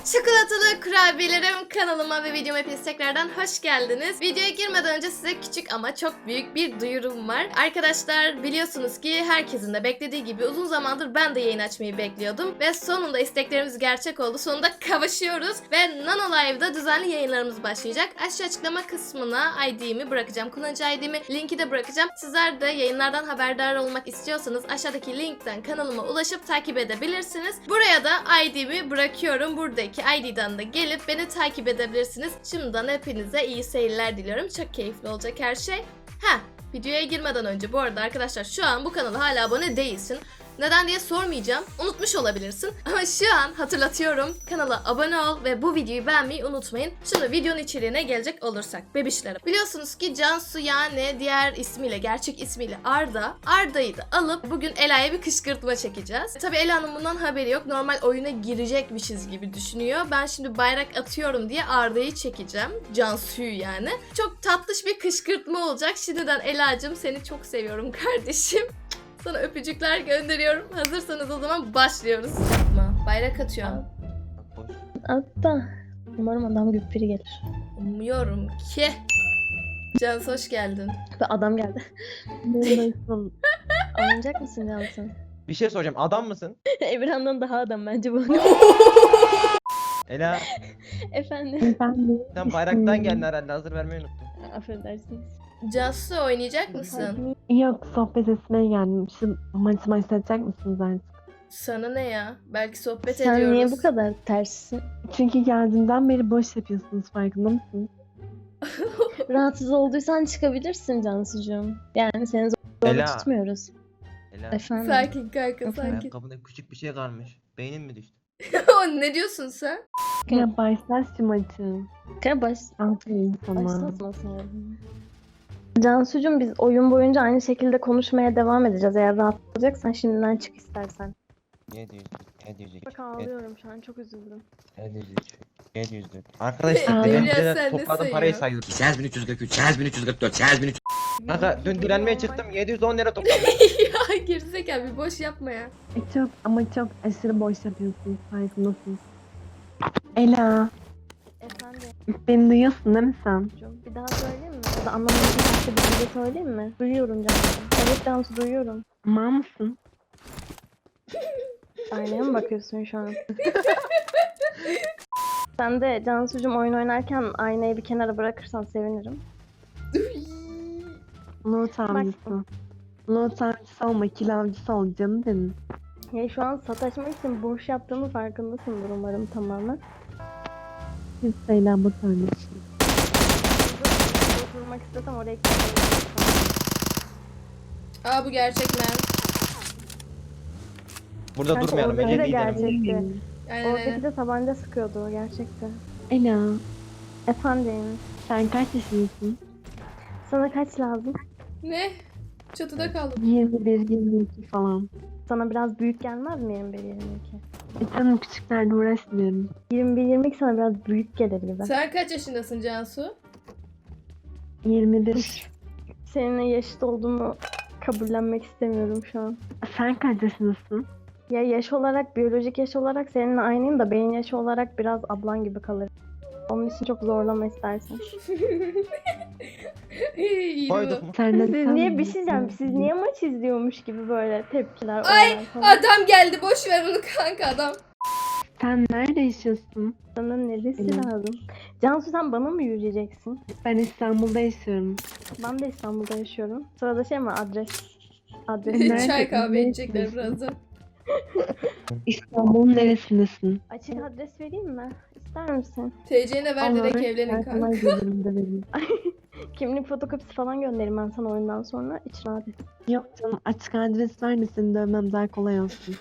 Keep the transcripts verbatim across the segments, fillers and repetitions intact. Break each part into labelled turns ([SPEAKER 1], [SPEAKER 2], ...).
[SPEAKER 1] Çikolatalı kurabiyelerim kanalıma ve videoma hepiniz tekrardan hoş geldiniz. Videoya girmeden önce size küçük ama çok büyük bir duyurum var. Arkadaşlar biliyorsunuz ki herkesin de beklediği gibi uzun zamandır ben de yayın açmayı bekliyordum. Ve sonunda isteklerimiz gerçek oldu. Sonunda kavuşuyoruz. Ve Nano Live'da düzenli yayınlarımız başlayacak. Aşağı açıklama kısmına I D'mi bırakacağım. Kullanıcı I D'mi, linki de bırakacağım. Sizler de yayınlardan haberdar olmak istiyorsanız aşağıdaki linkten kanalıma ulaşıp takip edebilirsiniz. Buraya da I D'mi bırakıyorum. Buradaki I D'den de gelip beni takip edebilirsiniz. Şimdiden hepinize iyi seyirler diliyorum. Çok keyifli olacak her şey. Ha, videoya girmeden önce bu arada arkadaşlar şu an bu kanala hala abone değilsin. Neden diye sormayacağım. Unutmuş olabilirsin. Ama şu an hatırlatıyorum. Kanala abone ol ve bu videoyu beğenmeyi unutmayın. Şimdi videonun içeriğine gelecek olursak. Bebişlerim. Biliyorsunuz ki Cansu yani diğer ismiyle, gerçek ismiyle Arda. Arda'yı da alıp bugün Ela'ya bir kışkırtma çekeceğiz. Tabii Ela'nın bundan haberi yok. Normal oyuna girecekmişiz gibi düşünüyor. Ben şimdi bayrak atıyorum diye Arda'yı çekeceğim. Cansu'yu yani. Çok tatlış bir kışkırtma olacak. Şimdiden Ela'cığım seni çok seviyorum kardeşim. Sana öpücükler gönderiyorum. Hazırsanız o zaman başlıyoruz. Yapma. Bayrak atıyorum.
[SPEAKER 2] Hatta umarım adam gibi biri gelir.
[SPEAKER 1] Umuyorum ki. Cansu hoş geldin.
[SPEAKER 2] Ve adam geldi. Alınacak mısın Cansu?
[SPEAKER 3] Bir şey soracağım. Adam mısın?
[SPEAKER 2] Emirhan'dan daha adam bence bu.
[SPEAKER 3] Ela,
[SPEAKER 2] Efendim.
[SPEAKER 3] sen bayraktan geldin herhalde. Hazır vermeyi unuttun.
[SPEAKER 2] Affedersiniz.
[SPEAKER 1] Cansu oynayacak mısın?
[SPEAKER 4] Yok, sohbet etmeye geldim. Şu maçı başlatacak mısınız artık?
[SPEAKER 1] Sana ne ya? Belki sohbet
[SPEAKER 2] Sen
[SPEAKER 1] ediyoruz.
[SPEAKER 2] niye bu kadar terssin?
[SPEAKER 4] Çünkü geldiğimden beri boş yapıyorsunuz, farkında mısınız?
[SPEAKER 2] Rahatsız olduysan çıkabilirsin Cansucuğum. Yani seni zorla
[SPEAKER 3] Ela.
[SPEAKER 2] tutmuyoruz.
[SPEAKER 3] Ela,
[SPEAKER 2] Efendim.
[SPEAKER 1] Sakin kanka sakin.
[SPEAKER 3] ayakkabında küçük bir şey kalmış. Beynin mi düştü?
[SPEAKER 1] Ne diyorsun sen?
[SPEAKER 4] Ya başlat şu maçı.
[SPEAKER 2] Kaya baş...
[SPEAKER 4] Aferin sana.
[SPEAKER 2] Başlatmasın. Cansucuğum biz oyun boyunca aynı şekilde konuşmaya devam edeceğiz. Eğer rahat olacaksan şimdiden çık istersen.
[SPEAKER 3] yedi yüz, yedi yüz iki,
[SPEAKER 2] Bak ağlıyorum şu an, çok üzüldüm.
[SPEAKER 3] yedi yüz üç, yedi yüz dört. Arkadaşlar
[SPEAKER 4] Hülya,
[SPEAKER 3] ben
[SPEAKER 1] sen
[SPEAKER 3] size
[SPEAKER 1] ne
[SPEAKER 3] topladım parayı
[SPEAKER 1] sayıyorsun?
[SPEAKER 3] sayıyorum.
[SPEAKER 5] sekiz bin üç yüz kırk üç, sekiz bin üç yüz kırk dört, sekiz bin üç yüz...
[SPEAKER 3] Kanka dün dilenmeye çıktım yedi yüz on lira topladım.
[SPEAKER 1] Ya gerizekalı bir boş yapma ya.
[SPEAKER 4] E çok ama çok aşırı boş yapıyorsunuz, farkındasınız. Ela,
[SPEAKER 2] Efendim
[SPEAKER 4] beni duyuyorsun değil mi sen?
[SPEAKER 2] Cansucuğum, bir daha söyleyeyim mi? Ya da anlamadığım başka bir şey söyleyeyim mi? Duyuyorum Cansu. Evet Cansu, duyuyorum.
[SPEAKER 4] Mal mısın?
[SPEAKER 2] Aynaya mı bakıyorsun şu an? Sen de Cansucuğum oyun oynarken aynayı bir kenara bırakırsan sevinirim.
[SPEAKER 4] Loot avcısı. Loot avcısı olma, kill avcısı ol canım benim.
[SPEAKER 2] Ya şu an sataşmak için boş yaptığımı farkındasındır umarım tamamen.
[SPEAKER 4] Siz Leyla bu tanesi.
[SPEAKER 2] Oturmak istesem oraya gitmem.
[SPEAKER 1] Aa bu gerçek mi?
[SPEAKER 3] Burada
[SPEAKER 2] Kanka,
[SPEAKER 3] durmayalım.
[SPEAKER 2] oradaki
[SPEAKER 3] Ece
[SPEAKER 2] de
[SPEAKER 3] liderim.
[SPEAKER 2] gerçekti.
[SPEAKER 1] Aynen
[SPEAKER 2] Oradaki
[SPEAKER 1] aynen.
[SPEAKER 2] de tabanca sıkıyordu o gerçekten.
[SPEAKER 4] Ela,
[SPEAKER 2] Efendim,
[SPEAKER 4] sen kaç yaşındasın?
[SPEAKER 2] sana kaç lazım?
[SPEAKER 1] Ne? Çatıda kaldım.
[SPEAKER 4] yirmi bir yirmi iki falan.
[SPEAKER 2] Sana biraz büyük gelmez mi yirmi bir yirmi iki?
[SPEAKER 4] E canım, küçüklerle uğraşmıyorum.
[SPEAKER 2] yirmi bir yirmi iki sana biraz büyük gelebilir.
[SPEAKER 1] Sen kaç yaşındasın Cansu?
[SPEAKER 4] yirmi bir.
[SPEAKER 2] Seninle yaşıt olduğumu kabullenmek istemiyorum şu an.
[SPEAKER 4] Sen kaç yaşındasın?
[SPEAKER 2] Ya yaş olarak, biyolojik yaş olarak seninle aynıyım da beyin yaşı olarak biraz ablan gibi kalır. Onun için çok zorlama istersen.
[SPEAKER 1] İyi
[SPEAKER 3] Koyduk
[SPEAKER 1] bu.
[SPEAKER 3] mu?
[SPEAKER 4] Sen de
[SPEAKER 2] Siz
[SPEAKER 4] sen
[SPEAKER 2] niye
[SPEAKER 4] mi?
[SPEAKER 2] bir şey diyeceğim? Siz niye maç izliyormuş gibi böyle tepkiler?
[SPEAKER 1] Ay,
[SPEAKER 2] olaylar falan.
[SPEAKER 1] Adam geldi boş ver onu kanka adam.
[SPEAKER 4] Sen nerede yaşıyorsun?
[SPEAKER 2] Sana neresi
[SPEAKER 4] Evet.
[SPEAKER 2] lazım? Cansu sen bana mı yürüyeceksin?
[SPEAKER 4] Ben İstanbul'da yaşıyorum.
[SPEAKER 2] Ben de İstanbul'da yaşıyorum. Sırada şey mi, adres? Adres.
[SPEAKER 4] Nerede?
[SPEAKER 1] Çay kahve
[SPEAKER 4] Nerede
[SPEAKER 1] içecekler
[SPEAKER 4] yaşıyorsun?
[SPEAKER 1] birazdan.
[SPEAKER 4] İstanbul'un neresindesin?
[SPEAKER 2] Açık adres vereyim mi? İster misin?
[SPEAKER 1] T C'ne ver direkt
[SPEAKER 4] Olur,
[SPEAKER 1] evlenin
[SPEAKER 4] ben
[SPEAKER 1] kanka.
[SPEAKER 4] sana gelirim de vereyim.
[SPEAKER 2] Kimlik fotokopisi falan gönderirim ben sana oyundan sonra. İç rahat et.
[SPEAKER 4] Yok canım, açık adres ver de seni dövmem daha kolay olsun.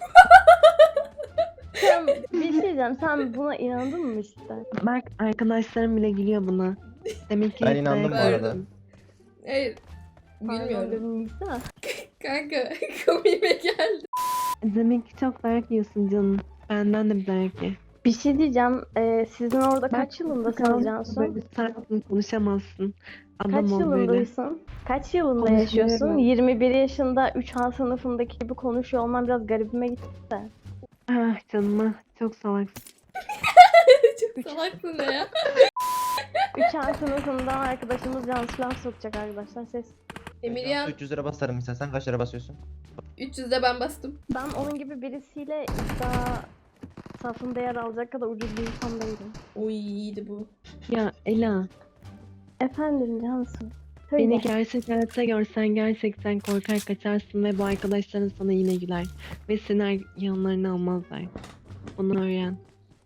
[SPEAKER 2] Sen bir şey diyeceğim. Sen buna inandın mı işte?
[SPEAKER 4] Bak, arkadaşlarım bile gülüyor buna. Demek ki
[SPEAKER 3] Ben
[SPEAKER 4] hep
[SPEAKER 3] inandım bu
[SPEAKER 4] dayak
[SPEAKER 3] arada.
[SPEAKER 4] yiyorsun.
[SPEAKER 1] Hayır. Bilmiyorum.
[SPEAKER 2] Pardon, Nisa.
[SPEAKER 1] Kanka komiğime geldi.
[SPEAKER 4] Demek ki çok dayak yiyorsun canım. Benden de bir dayak ye.
[SPEAKER 2] Bir şey diyeceğim. Ee, sizin orada
[SPEAKER 4] Bak,
[SPEAKER 2] kaç yılındasınız
[SPEAKER 4] Bakalım,
[SPEAKER 2] Cansu?
[SPEAKER 4] böyle sakin konuşamazsın. Adam
[SPEAKER 2] Kaç
[SPEAKER 4] ol böyle.
[SPEAKER 2] yılındaysın? Kaç yılında
[SPEAKER 4] Konuşuyorum.
[SPEAKER 2] yaşıyorsun? yirmi bir yaşında üç A sınıfındaki gibi konuşuyor olman biraz garibime gitti de.
[SPEAKER 4] Ah canım ah, çok salaksın.
[SPEAKER 1] Salaksın ne ya?
[SPEAKER 2] Üç A sınıfından arkadaşımız Cansu laf sokacak arkadaşlar. Ses.
[SPEAKER 1] Emiryan
[SPEAKER 3] üç yüz lira basarım istersen kaç lira basıyorsun?
[SPEAKER 1] üç yüzde ben bastım.
[SPEAKER 2] Ben onun gibi birisiyle iddia safında yer alacak kadar ucuz bir insan değilim.
[SPEAKER 1] Oy iyiydi bu.
[SPEAKER 4] Ya Ela,
[SPEAKER 2] Efendim Cansu. Söyle.
[SPEAKER 4] beni gerçek hayatta görsen gerçekten korkar kaçarsın ve bu arkadaşların sana yine güler. Ve seni yanlarına almazlar. Onu öğren.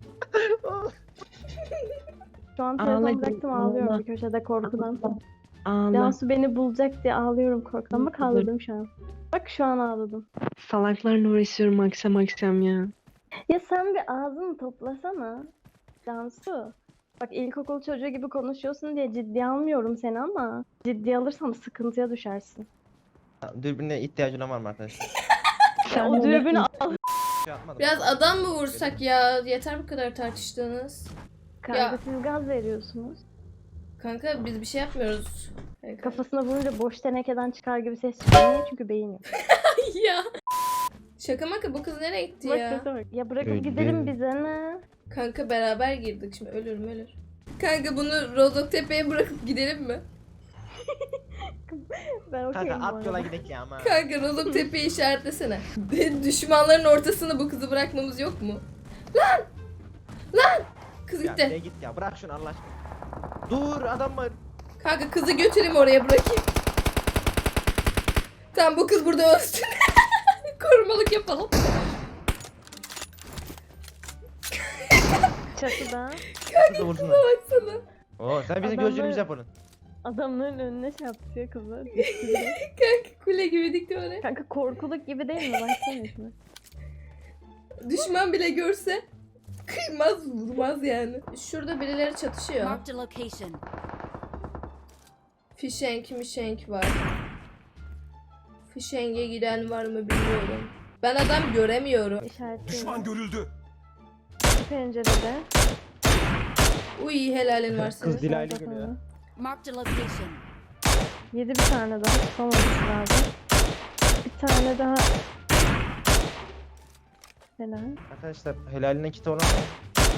[SPEAKER 2] Şu an
[SPEAKER 4] Ağla
[SPEAKER 2] telefonu
[SPEAKER 4] canım,
[SPEAKER 2] bıraktım ağlıyorum
[SPEAKER 4] ağla.
[SPEAKER 2] bir köşede korkudan.
[SPEAKER 4] Ağla.
[SPEAKER 2] Cansu beni bulacak diye ağlıyorum korkudan. Bak ağladım şu an. Bak şu an ağladım.
[SPEAKER 4] Salaklarla uğraşıyorum akşam akşam ya.
[SPEAKER 2] Ya sen bir ağzını toplasana. Cansu. Bak ilkokul çocuğu gibi konuşuyorsun diye ciddiye almıyorum seni ama ciddiye alırsam sıkıntıya düşersin.
[SPEAKER 3] Dürbüne ihtiyacın var mı arkadaşlar?
[SPEAKER 4] Sen
[SPEAKER 2] o
[SPEAKER 4] de-
[SPEAKER 2] dürbünü al.
[SPEAKER 3] Şey yapmadım.
[SPEAKER 1] Biraz adam mı vursak ya? Yeter bu kadar tartıştığınız.
[SPEAKER 2] Kanka siz gaz veriyorsunuz.
[SPEAKER 1] Kanka biz bir şey yapmıyoruz. Kanka.
[SPEAKER 2] Kafasına vurunca boş tenekeden çıkar gibi ses çıkıyor. Niye? Çünkü beyin yok.
[SPEAKER 1] ya. Şaka maka bu kız nereye gitti
[SPEAKER 2] Bak
[SPEAKER 1] ya?
[SPEAKER 2] sese bak. Ya bırakıp
[SPEAKER 3] Öyle.
[SPEAKER 2] gidelim bize ne?
[SPEAKER 1] Kanka beraber girdik şimdi ölürüm ölür. Kanka bunu Rozoktepe'ye bırakıp gidelim mi?
[SPEAKER 2] Ben okeyim
[SPEAKER 3] Kanka
[SPEAKER 2] bu
[SPEAKER 3] at yola
[SPEAKER 2] arada.
[SPEAKER 3] gidelim ya ama.
[SPEAKER 1] Kanka Rozoktepe'yi işaretlesene. Düşmanların ortasına bu kızı bırakmamız yok mu? Lan! Lan! Kız
[SPEAKER 3] Ya
[SPEAKER 1] gitti.
[SPEAKER 3] nereye git ya bırak şunu Allah aşkına. Dur adam var.
[SPEAKER 1] Kanka kızı götüreyim oraya bırakayım. Tamam bu kız burada ölsün. Korumalık yapalım.
[SPEAKER 2] Çatıda
[SPEAKER 3] Kızı vursunlar.
[SPEAKER 1] Baksana.
[SPEAKER 3] Oo sen bizim
[SPEAKER 2] Adamlar-
[SPEAKER 3] gözcümüz yap onun.
[SPEAKER 2] adamların önüne şey yapıyor kızlar.
[SPEAKER 1] Kanka kule gibi dikti oraya.
[SPEAKER 2] Kanka korkuluk gibi değil mi? Baksana şuna.
[SPEAKER 1] Düşman bile görse kıymaz vurmaz yani. Şurada birileri çatışıyor.
[SPEAKER 6] Marked a location.
[SPEAKER 1] Fişenk mişenk var. Fişenge giden var mı bilmiyorum. Ben adam göremiyorum.
[SPEAKER 2] İşaretliyorum.
[SPEAKER 5] görüldü.
[SPEAKER 2] Şu pencerede.
[SPEAKER 1] Uy helalin var senin.
[SPEAKER 3] Kız Dilaylı
[SPEAKER 2] Solda
[SPEAKER 3] geliyor.
[SPEAKER 2] falan.
[SPEAKER 6] Marked a location.
[SPEAKER 2] Yedi bir tane daha. Tutamaması lazım. Bir tane daha. Helal.
[SPEAKER 3] Arkadaşlar helaline kiti olan var.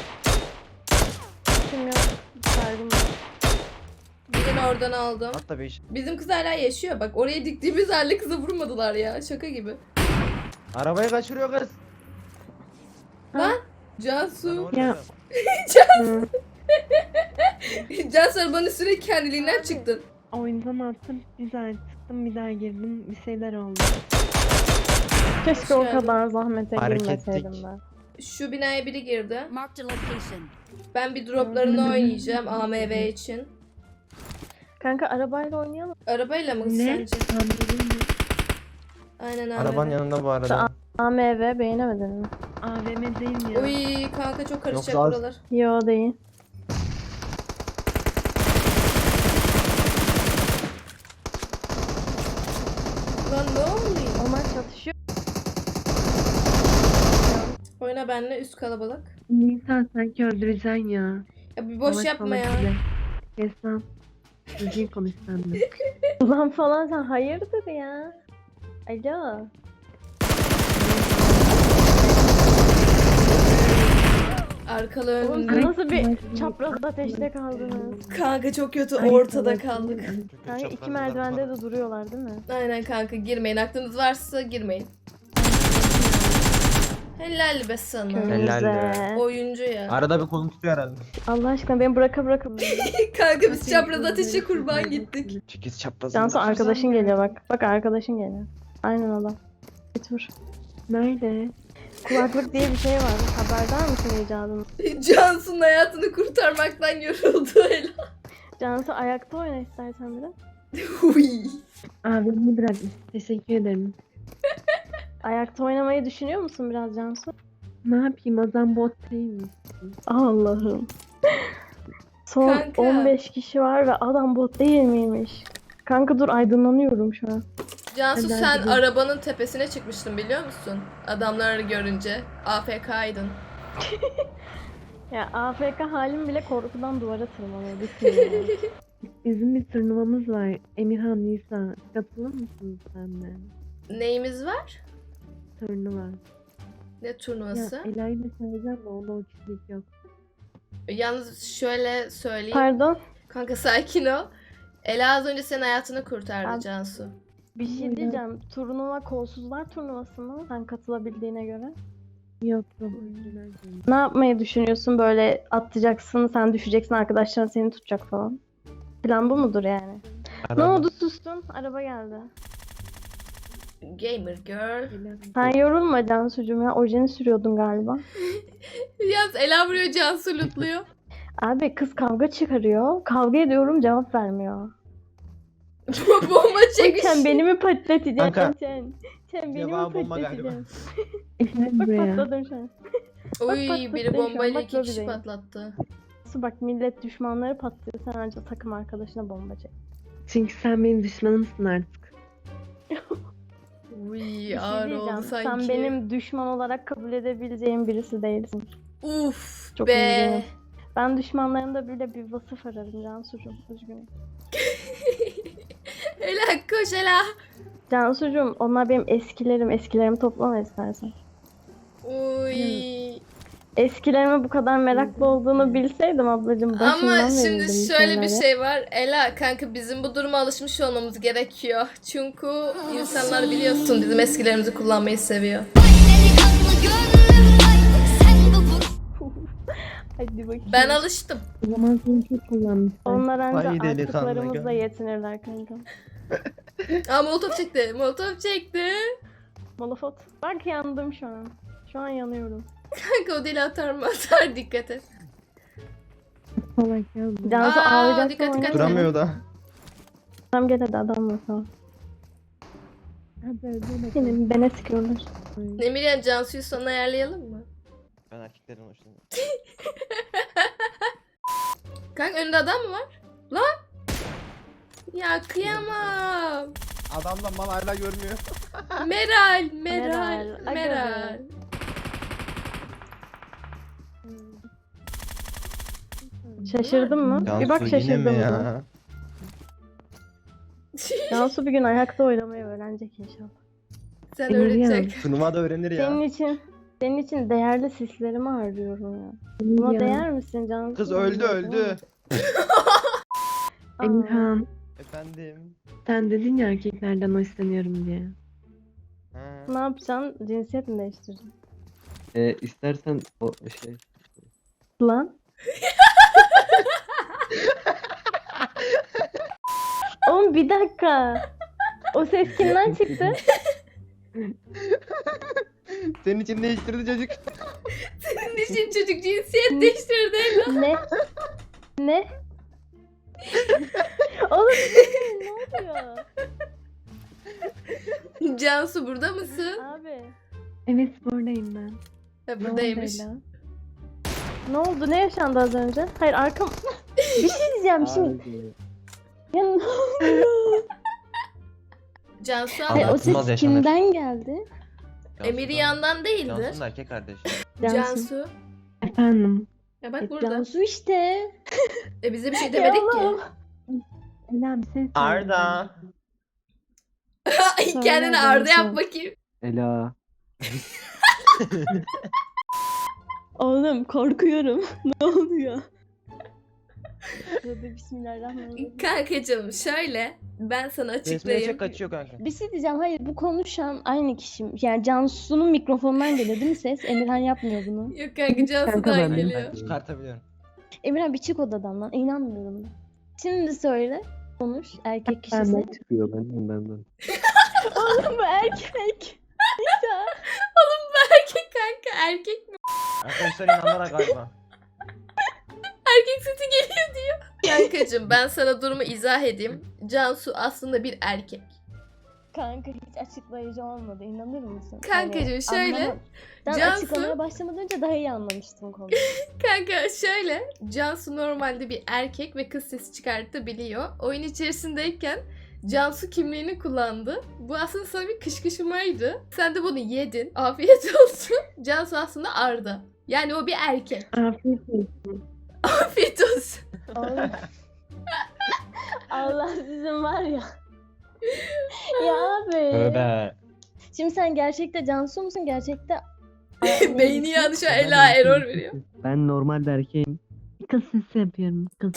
[SPEAKER 2] Kim yok. Sargım yok.
[SPEAKER 1] Birini oradan aldım.
[SPEAKER 3] Hatta bir iş.
[SPEAKER 1] Bizim kız hala yaşıyor bak. Oraya diktiğimiz halde kıza vurmadılar ya. Şaka gibi.
[SPEAKER 3] Arabayı kaçırıyor kız.
[SPEAKER 1] Lan
[SPEAKER 3] Lan
[SPEAKER 1] Cansu.
[SPEAKER 3] orada
[SPEAKER 4] Ya.
[SPEAKER 3] ya.
[SPEAKER 4] Hı.
[SPEAKER 1] Cansu arabanın üstüne kendiliğinden çıktın.
[SPEAKER 4] Oyundan attım, bir daha çıktım, bir daha girdim, bir şeyler oldu.
[SPEAKER 2] Keşke
[SPEAKER 1] Hoş
[SPEAKER 2] o
[SPEAKER 1] geldin.
[SPEAKER 2] kadar zahmete
[SPEAKER 3] Fark
[SPEAKER 2] girmeseydim
[SPEAKER 3] ettik.
[SPEAKER 2] ben.
[SPEAKER 1] Şu binaya biri girdi.
[SPEAKER 6] Marked a location.
[SPEAKER 1] Ben bir droplarını oynayacağım A M V için.
[SPEAKER 2] Kanka arabayla oynayalım.
[SPEAKER 1] Arabayla mı
[SPEAKER 4] Ne?
[SPEAKER 1] sence?
[SPEAKER 4] Anladın mı?
[SPEAKER 1] Aynen
[SPEAKER 3] Arabanın
[SPEAKER 1] A M V.
[SPEAKER 3] yanında bu arada.
[SPEAKER 2] A M V beğenemedin mi?
[SPEAKER 4] A V M değil mi ya?
[SPEAKER 1] Uy kanka çok karışacak
[SPEAKER 3] Yoksa az-
[SPEAKER 1] buralar.
[SPEAKER 2] Yo değil.
[SPEAKER 1] Lan ne oluyor?
[SPEAKER 2] Onlar çatışıyor.
[SPEAKER 1] Oyna benle üst kalabalık.
[SPEAKER 4] Nisan sanki öldüreceksin ya.
[SPEAKER 1] Ya bir boş
[SPEAKER 4] Salak
[SPEAKER 1] yapma
[SPEAKER 4] salak
[SPEAKER 1] ya.
[SPEAKER 4] bile. Kes lan. Düzgün konuş sen de.
[SPEAKER 2] Ulan falan sen hayırdır ya? Alo.
[SPEAKER 1] Arkalı
[SPEAKER 2] Oğlum
[SPEAKER 1] önlü.
[SPEAKER 2] siz nasıl bir çapraz ateşte kaldınız?
[SPEAKER 1] Kanka çok kötü
[SPEAKER 4] Ay,
[SPEAKER 1] ortada
[SPEAKER 4] salak.
[SPEAKER 1] kaldık.
[SPEAKER 2] Kanka iki merdivende de duruyorlar değil mi?
[SPEAKER 1] Aynen kanka girmeyin. Aklınız varsa girmeyin. Helal be sana.
[SPEAKER 3] Helal be.
[SPEAKER 2] Köyümüze.
[SPEAKER 1] Oyuncu ya.
[SPEAKER 3] Arada bir kolum tutuyor herhalde.
[SPEAKER 2] Allah aşkına beni bırakıp bırakıp.
[SPEAKER 1] Kanka biz çapraz ateşe kurban gittik.
[SPEAKER 3] Çekiz çapraz.
[SPEAKER 2] Cansu arkadaşın geliyor bak. Bak arkadaşın geliyor. Aynen adam. Git vur.
[SPEAKER 4] Nerede?
[SPEAKER 2] Kulaklık diye bir şey var. Haberdar mısın icadın?
[SPEAKER 1] Cansu'nun hayatını kurtarmaktan yoruldu Ela.
[SPEAKER 2] Cansu ayakta oyna istersen biraz.
[SPEAKER 1] Uy.
[SPEAKER 4] Abimi bırakmış. Teşekkür ederim.
[SPEAKER 2] Ayakta oynamayı düşünüyor musun biraz Cansu?
[SPEAKER 4] Ne yapayım, o zaman bot değil mi?
[SPEAKER 2] Allah'ım. Son
[SPEAKER 1] Kanka.
[SPEAKER 2] on beş kişi var ve adam bot değil miymiş? Kanka dur aydınlanıyorum şu an.
[SPEAKER 1] Cansu
[SPEAKER 4] Neden
[SPEAKER 1] sen
[SPEAKER 4] gidiyorsun?
[SPEAKER 1] arabanın tepesine çıkmıştın biliyor musun? Adamları görünce. A F K'ydın.
[SPEAKER 2] Ya A F K halim bile korkudan duvara tırmanıyor. Bitmiyor yani.
[SPEAKER 4] Bizim bir turnuvamız var. Emirhan, Nisa. Katılır mısınız sen de?
[SPEAKER 1] Neyimiz var?
[SPEAKER 4] Turnuva.
[SPEAKER 1] Ne
[SPEAKER 4] Ya
[SPEAKER 1] turnuvası?
[SPEAKER 4] Ela'yı da çağıracağım da onda o kişilik yok.
[SPEAKER 1] Yalnız şöyle söyleyeyim.
[SPEAKER 2] Pardon.
[SPEAKER 1] Kanka sakin ol. Ela az önce senin hayatını kurtardı
[SPEAKER 2] Abi-
[SPEAKER 1] Cansu.
[SPEAKER 2] Bir şey diyeceğim. Turnuva kolsuzlar turnuvası mı? Sen katılabildiğine göre.
[SPEAKER 4] Yok yok. oyuncular değil.
[SPEAKER 2] Ne yapmayı düşünüyorsun? Böyle atlayacaksın, sen düşeceksin, arkadaşların seni tutacak falan. Plan bu mudur yani? Ne
[SPEAKER 3] Araba.
[SPEAKER 2] oldu, sustun? Araba geldi.
[SPEAKER 1] Gamer girl.
[SPEAKER 2] Sen yorulma Cansucuğum ya. Ojeni sürüyordun galiba.
[SPEAKER 1] Yalnız Ela vuruyor, Cansu lootluyor.
[SPEAKER 2] Abi kız kavga çıkarıyor. Kavga ediyorum, cevap vermiyor.
[SPEAKER 1] Bomba çekmiş.
[SPEAKER 2] Sen beni mi patlatacaksın?
[SPEAKER 3] Kanka.
[SPEAKER 2] Sen, sen beni mi
[SPEAKER 3] Cevabı bomba galiba.
[SPEAKER 2] patlatacaksın?
[SPEAKER 4] Gel
[SPEAKER 2] Bak
[SPEAKER 4] buraya.
[SPEAKER 2] patladım şu an.
[SPEAKER 1] Uy
[SPEAKER 2] patlattı
[SPEAKER 1] biri
[SPEAKER 2] şu an,
[SPEAKER 1] bombayla
[SPEAKER 2] bak
[SPEAKER 1] iki kişi
[SPEAKER 2] lobideyim.
[SPEAKER 1] patlattı.
[SPEAKER 2] Su bak, millet düşmanları patlıyor. Sen ancak takım arkadaşına bomba çek.
[SPEAKER 4] Çünkü sen benim düşmanımsın artık.
[SPEAKER 1] Uy
[SPEAKER 2] Bir şey
[SPEAKER 1] ağır oldu
[SPEAKER 2] diyeceğim.
[SPEAKER 1] sanki.
[SPEAKER 2] Sen benim düşman olarak kabul edebileceğim birisi değilsin.
[SPEAKER 1] Uf
[SPEAKER 2] Çok
[SPEAKER 1] be.
[SPEAKER 2] üzgünüm. Ben düşmanlarımda bile bir vasıf ararım Cansucuğum. Üzgünüm.
[SPEAKER 1] Ela koş Ela.
[SPEAKER 2] Cansucuğum, onlar benim eskilerim. Eskilerimi toplama istersen.
[SPEAKER 1] Uy.
[SPEAKER 2] Eskilerime bu kadar meraklı olduğunu bilseydim ablacığım başından
[SPEAKER 1] Ama şimdi
[SPEAKER 2] verirdim
[SPEAKER 1] şöyle bir
[SPEAKER 2] şeyleri.
[SPEAKER 1] şey var. Ela kanka bizim bu duruma alışmış olmamız gerekiyor. Çünkü insanlar biliyorsun bizim eskilerimizi kullanmayı seviyor.
[SPEAKER 2] Hadi bakayım.
[SPEAKER 1] Ben alıştım.
[SPEAKER 4] O zaman seni çok kullanmışlar.
[SPEAKER 2] Onlar ancak
[SPEAKER 3] Vay delikanlı
[SPEAKER 2] artıklarımızla
[SPEAKER 3] gel.
[SPEAKER 2] yetinirler kanka.
[SPEAKER 1] Aa molotof çekti. Molotof çekti.
[SPEAKER 2] Molofot. Bak yandım şu an. Şu an yanıyorum.
[SPEAKER 1] Kanka o deli atar mı atar, dikkat et.
[SPEAKER 4] Salak ya bu.
[SPEAKER 2] Cansu
[SPEAKER 1] Aa,
[SPEAKER 2] ağlayacak
[SPEAKER 1] dikkat,
[SPEAKER 2] mı?
[SPEAKER 1] dikkat.
[SPEAKER 3] Duramıyor da.
[SPEAKER 2] Tamam gel hadi adam bakalım.
[SPEAKER 4] Hadi öyle bakalım.
[SPEAKER 2] Benim bene sıkıyorlar.
[SPEAKER 1] Emirhan Cansu'yu sana ayarlayalım mı?
[SPEAKER 3] Ben erkeklerin hoşlanıyorum.
[SPEAKER 1] Kanka önünde adam mı var? Lan! Ya kıyamam.
[SPEAKER 3] Adamla mal hala görmüyor.
[SPEAKER 1] Meral, Meral,
[SPEAKER 2] Meral, aga
[SPEAKER 1] Meral.
[SPEAKER 2] Şaşırdın mı? bir bak
[SPEAKER 3] Cansu yine
[SPEAKER 2] şaşırdın
[SPEAKER 3] mi
[SPEAKER 2] mı?
[SPEAKER 3] ya?
[SPEAKER 2] Cansu bir gün ayakta oynamayı öğrenecek inşallah.
[SPEAKER 1] Sen
[SPEAKER 4] Emirhan.
[SPEAKER 1] öğretecek.
[SPEAKER 3] Turnuvada öğrenir ya.
[SPEAKER 2] Senin için senin için değerli sislerimi harcıyorum ya. Buna
[SPEAKER 4] Ya.
[SPEAKER 2] değer misin Cansu?
[SPEAKER 3] Kız öldü öldü.
[SPEAKER 2] Aa,
[SPEAKER 4] Emirhan,
[SPEAKER 3] Efendim.
[SPEAKER 4] sen dedin ya erkeklerden hoşlanıyorum diye.
[SPEAKER 3] Ha.
[SPEAKER 2] Ne yapacaksın? Cinsiyet mi değiştireceksin?
[SPEAKER 7] Ee, istersen o şey
[SPEAKER 2] Lan. Oğlum bir dakika. O ses kimden çıktı?
[SPEAKER 3] Senin için değiştirdi çocuk.
[SPEAKER 1] Senin için çocuk cinsiyet değiştirdi.
[SPEAKER 2] Ne? Ne? Oğlum ne oluyor?
[SPEAKER 1] Cansu burada mısın?
[SPEAKER 2] Abi.
[SPEAKER 4] Evet buradayım ben.
[SPEAKER 1] Ha,
[SPEAKER 4] Ne
[SPEAKER 1] buradaymış.
[SPEAKER 4] oldu Ela?
[SPEAKER 2] Ne oldu? Ne yaşandı az önce? Hayır arkam... bir şey diyeceğim şimdi.
[SPEAKER 7] Abi,
[SPEAKER 2] Ya, ne oluyor?
[SPEAKER 1] Cansu
[SPEAKER 2] Hayır, o
[SPEAKER 3] Anlatılmaz
[SPEAKER 2] ses
[SPEAKER 3] yaşanır.
[SPEAKER 2] kimden geldi?
[SPEAKER 1] Emir yandan değildir.
[SPEAKER 3] Cansu'nun erkek kardeşi.
[SPEAKER 2] Cansu.
[SPEAKER 1] Cansu.
[SPEAKER 4] Efendim.
[SPEAKER 1] Ya bak
[SPEAKER 2] E,
[SPEAKER 1] burada.
[SPEAKER 2] Cansu işte.
[SPEAKER 1] E bize bir şey demedik ki.
[SPEAKER 2] Yalan.
[SPEAKER 4] Ela bir şey söyle.
[SPEAKER 3] Arda.
[SPEAKER 1] Ay kendini
[SPEAKER 2] Söyle
[SPEAKER 1] Arda
[SPEAKER 2] Cansu.
[SPEAKER 1] yap bakayım.
[SPEAKER 7] Ela.
[SPEAKER 2] Oğlum korkuyorum. ne oluyor? Tövbe bismillahirrahmanirrahim.
[SPEAKER 1] Kankacığım şöyle ben sana
[SPEAKER 3] Resmine
[SPEAKER 1] açıklayayım.
[SPEAKER 3] çek kaçıyor kanka.
[SPEAKER 2] Bir şey diyeceğim. Hayır bu konuşan aynı kişi. Yani Cansu'nun mikrofonundan geliyor değil mi ses? Emirhan yapmıyor bunu.
[SPEAKER 1] Yok kanka Cansu'dan
[SPEAKER 4] ben de.
[SPEAKER 1] geliyor.
[SPEAKER 3] Çıkartabiliyorum.
[SPEAKER 2] Emirhan bir çık odadan lan. İnanmıyorum ben. Şimdi söyle. Konuş. Erkek kişisi.
[SPEAKER 4] Ben de.
[SPEAKER 7] Çıkıyor benden benden.
[SPEAKER 2] Oğlum bu erkek. Ya.
[SPEAKER 1] Oğlum bu erkek kanka erkek mi?
[SPEAKER 3] Arkadaşlar inandılar galiba.
[SPEAKER 1] Erkek sesi geliyor diyor. Kankacığım ben sana durumu izah edeyim. Cansu aslında bir erkek.
[SPEAKER 2] Kanka hiç açıklayıcı olmadı. İnanır mısın?
[SPEAKER 1] Kankacığım,
[SPEAKER 2] Hani
[SPEAKER 1] şöyle,
[SPEAKER 2] anlama- Ben
[SPEAKER 1] Cansu-
[SPEAKER 2] açıklamaya başlamadan önce daha iyi anlamıştım konuyu.
[SPEAKER 1] Kanka şöyle Cansu normalde bir erkek ve kız sesi çıkartabiliyor. Oyun içerisindeyken Cansu kimliğini kullandı. Bu aslında sana bir kışkışmaydı. Sen de bunu yedin. Afiyet olsun. Cansu aslında Arda. Yani o bir erkek.
[SPEAKER 4] Afiyet olsun.
[SPEAKER 1] Afiyet olsun.
[SPEAKER 2] Oğlum. Allah sizin var ya. ya abi.
[SPEAKER 3] Tövbe.
[SPEAKER 2] Şimdi sen gerçekte Cansu musun? Gerçekte
[SPEAKER 1] Beyni yanlış Ela error veriyor.
[SPEAKER 7] Ben normalde erkeğim.
[SPEAKER 4] Kız sesi yapıyorum. Kız.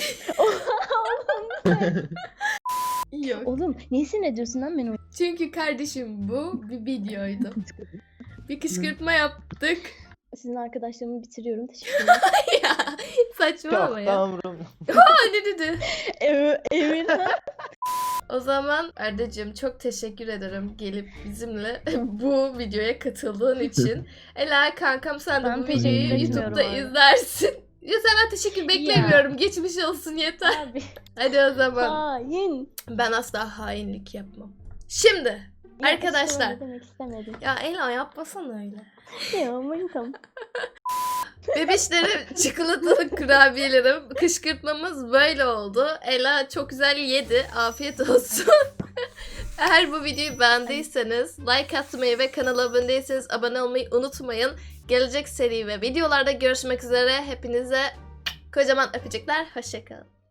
[SPEAKER 1] Yok.
[SPEAKER 2] Oğlum niye sinir ediyorsun lan beni?
[SPEAKER 1] Çünkü kardeşim bu bir videoydu. Bir kışkırtma yaptık.
[SPEAKER 2] Sizin arkadaşlarımı bitiriyorum. Teşekkür ederim.
[SPEAKER 1] Ya saçmalama
[SPEAKER 3] Çok
[SPEAKER 1] ya.
[SPEAKER 3] tamam.
[SPEAKER 1] Aa ne dedi?
[SPEAKER 2] Ev, evin
[SPEAKER 1] O zaman Arda'cığım çok teşekkür ederim gelip bizimle bu videoya katıldığın için. Ela kankam sen de
[SPEAKER 2] Ben
[SPEAKER 1] bu
[SPEAKER 2] teşekkür
[SPEAKER 1] videoyu
[SPEAKER 2] etmiyorum
[SPEAKER 1] YouTube'da
[SPEAKER 2] abi.
[SPEAKER 1] izlersin. Ya senden teşekkür beklemiyorum. Geçmiş olsun yeter.
[SPEAKER 2] abi.
[SPEAKER 1] Hadi o zaman.
[SPEAKER 2] Hain.
[SPEAKER 1] Ben asla hainlik yapmam. Şimdi
[SPEAKER 2] Ya,
[SPEAKER 1] arkadaşlar.
[SPEAKER 2] işte öyle demek istemedim.
[SPEAKER 1] Ya Ela yapmasana öyle.
[SPEAKER 2] Ya aman tamam.
[SPEAKER 1] Bebişlerim, çikolatalı kurabiyelerim, kışkırtmamız böyle oldu. Ela çok güzel yedi. Afiyet olsun. Eğer bu videoyu beğendiyseniz like atmayı ve kanala abone değilseniz abone olmayı unutmayın. Gelecek seri ve videolarda görüşmek üzere. Hepinize kocaman öpücükler. Hoşçakalın.